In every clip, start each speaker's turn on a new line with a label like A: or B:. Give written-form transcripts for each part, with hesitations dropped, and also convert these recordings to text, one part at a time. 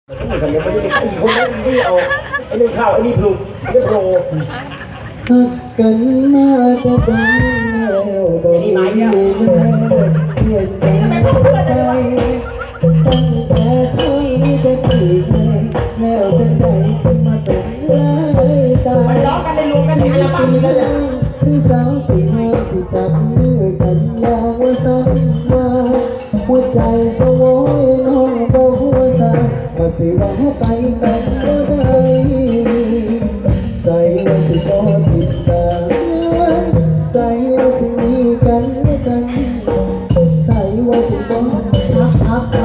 A: เหมือนกันเลยไม่ได้ไอ้คนนั้นนี่เอาไอ้นี่เข้าไอ้นี่ปลุกไอ้นี่โปร
B: หักกันมาแต่บ้านแล้วบ่มีแม่เพียงแต่ไปตั้งแต่ครั้งนี้จะกี่เพลงแล้วจะไหนมาเป็นลายตา
A: ไปร้องกันในรวมกันในอัลบั้มนี้เลย
B: ที่สาวที่ห้าที่จับมือกันอย่างว่าสัญญาหัวใจสวอยน้องบอกหัวใจว่าสิว่าหัวไปกันก็ได้ใส่ว่าสิบ่ติดตามใส่ว่าสิมีกันและกันใส่ว่าสิบ่ทัก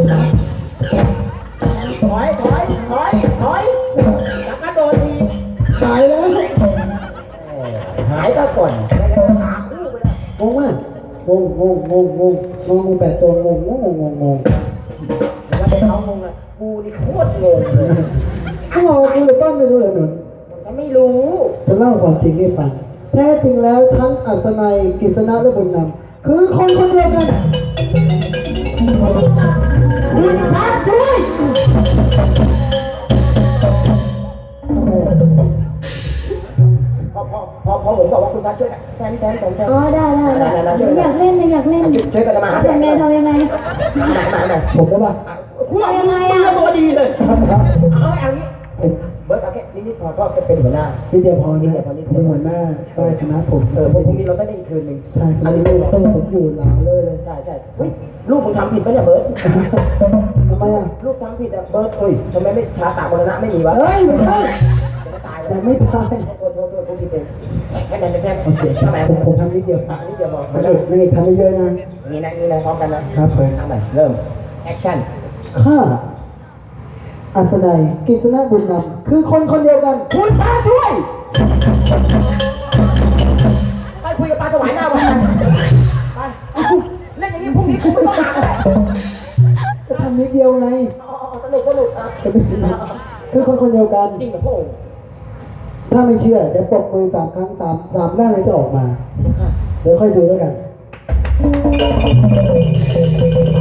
A: ถอยแล้วก็โดนที
B: หายแล้ว
A: หายก็ก่อนไม่งั้นหาคู่ไปแล้ว
B: งงมากงงแบบตัวงง
A: แล้วไปเขางงเลยกูนี่โคตรงงเลย
B: ถ้าเราดูเลยต้นไม่รู้เลยหนุน
A: ก็ไม่รู้
B: จะเล่าความจริงให้ฟังแท้จริงแล้วทั้งอัศนัยกฤษณะและบุญนำคือคนคนเดียวกัน
A: คุณพระช่วยพอผมบอกว่าคุณพระช่วยกันแทน
C: อ๋อได้อยากเล่นเลยอยากเล่น
A: ช่วยกันมาหา
C: ทำยังไง
B: ผมได้ปะ
A: คุณเอามือตัวดีเลยเอางี้เบิร์ดเอาแค่นิดพอก็เป็นหัวหน้า
B: พี่เดียวพอนะผมเป็นหัวหน้าใต้คณะผม
A: พรุ่งนี้เราได้อีกคืนหนึ่ง
B: ใช่อันนี้ลูกเต้นผมอยู่หลังเลย
A: ใช่เฮ้ยลูกมึงทำผิดปะเนี่ยเบิร์ด
B: ทำไมอ่ะ
A: ลูกทำผิดอ่ะเบิร์ดเฮ้ยทำไมไม่ชาตามรณะไม่มีวะ
B: เฮ้ยไม่ใช่
A: จะตาย
B: แต่ไม่ตาย
A: โทษกูผิดเองแค่นั้นเป็นแค่
B: โอเคผมทำนิดเดียว
A: นี่เดียวบอก
B: นางเอกทำเยอะๆนะ
A: นี่นะพร้อมกันนะครับ
B: ผม
A: ทำไปเริ่มแอคชั่น
B: ข้าอัศนัยกฤษณะบุญนำคือคนคนเดียวกัน
A: คุณพระช่วยไปคุยกับปลาถวายหน้าวันไปเล่นอย่างนี้พรุ่งนี้กูไม่ต้องมาแล้ว
B: จะทำนิดเดียวไง
A: สนุกอ่ะ
B: คือคนคนเดียวกัน
A: จริงกับพระองค์
B: ถ้าไม่เชื่อเดี๋ยวปรบมือ3 ครั้ง3ด้านเลยจะออกมา เดี๋ยวค่อยดูแล้วกัน